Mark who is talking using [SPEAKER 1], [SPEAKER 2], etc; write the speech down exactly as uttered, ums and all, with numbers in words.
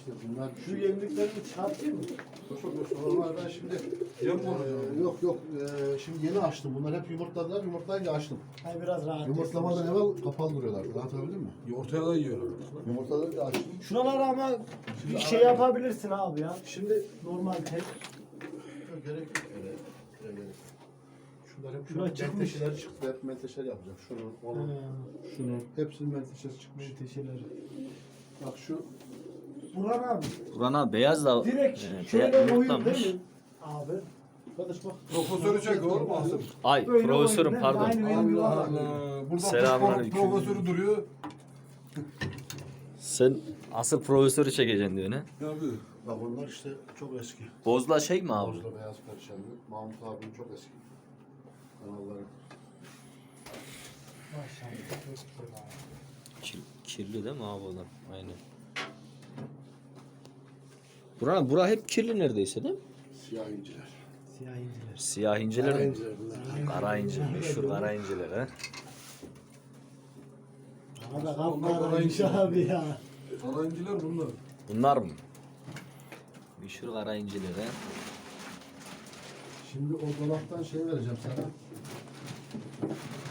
[SPEAKER 1] İşte bunlar
[SPEAKER 2] Şu yemliklerini çıkartayım mı?
[SPEAKER 1] Onlar ben şimdi
[SPEAKER 3] Yem mi
[SPEAKER 1] e,
[SPEAKER 3] olacak?
[SPEAKER 1] yok yok e, şimdi yeni açtım. Bunlar hep yumurtladılar. Yumurtlayınca açtım.
[SPEAKER 2] Hay biraz rahat.
[SPEAKER 1] Yumurtlamadan evvel kapalı duruyorlardı. Anlatabildim mi?
[SPEAKER 3] Ortaya da yiyor.
[SPEAKER 1] Yumurtladıkça açtım.
[SPEAKER 2] Şuralara ama bir şey yapabilirsin abi ya.
[SPEAKER 1] Şimdi
[SPEAKER 2] Normal tek.
[SPEAKER 1] yok, gerek yok. Öyle, öyle gerek yok. Şunlar hep
[SPEAKER 2] Şuraya
[SPEAKER 1] şunun
[SPEAKER 2] çıkmış.
[SPEAKER 1] menteşeleri çıktı. Hep menteşeler yapacağım. Şunun, onun,
[SPEAKER 2] He.
[SPEAKER 1] şunun. Hepsinin menteşesi çıkmış.
[SPEAKER 2] Menteşeleri.
[SPEAKER 1] Bak şu
[SPEAKER 2] Burhan abi.
[SPEAKER 4] Buran abi beyaz da
[SPEAKER 2] Direkt
[SPEAKER 4] e,
[SPEAKER 2] şöyle
[SPEAKER 4] beyaz
[SPEAKER 2] oyun
[SPEAKER 4] yumurtlamış.
[SPEAKER 2] değil mi? Abi.
[SPEAKER 1] kardeş bak.
[SPEAKER 3] Profesörü çek oğlum Asım.
[SPEAKER 4] Ay
[SPEAKER 2] Böyle
[SPEAKER 4] profesörüm
[SPEAKER 2] oyun değil mi?
[SPEAKER 4] pardon.
[SPEAKER 2] Aynı benim
[SPEAKER 3] Allah
[SPEAKER 2] yuvarlak.
[SPEAKER 3] Allah. Burada
[SPEAKER 4] Selamünaleyküm.
[SPEAKER 3] pro- profesörü duruyor.
[SPEAKER 4] Sen asıl profesörü çekeceksin diyor ne?
[SPEAKER 3] Ne yapıyor?
[SPEAKER 1] Bak bunlar işte çok eski.
[SPEAKER 4] Bozla şey mi abi?
[SPEAKER 1] Bozda beyaz perşembe. Mahmut abinin çok eski. Kanalları.
[SPEAKER 2] Maşallah. Çok güzel abi.
[SPEAKER 4] Kir, kirli değil mi abi onlar? Aynen. Buran bura hep kirli neredeyse değil mi?
[SPEAKER 1] Siyah inciler.
[SPEAKER 2] Siyah inciler.
[SPEAKER 4] Siyah inciler
[SPEAKER 1] Kara
[SPEAKER 4] mi?
[SPEAKER 1] inciler bunlar.
[SPEAKER 4] Kara inci, meşhur kara inciler ha.
[SPEAKER 2] Bana da
[SPEAKER 3] Onlar
[SPEAKER 2] kapkaraymış
[SPEAKER 3] kara
[SPEAKER 2] abi ya.
[SPEAKER 3] Alancılar bunlar.
[SPEAKER 4] Bunlar mı? Meşhur kara inciler ha.
[SPEAKER 1] Şimdi o dolaptan şey vereceğim sana.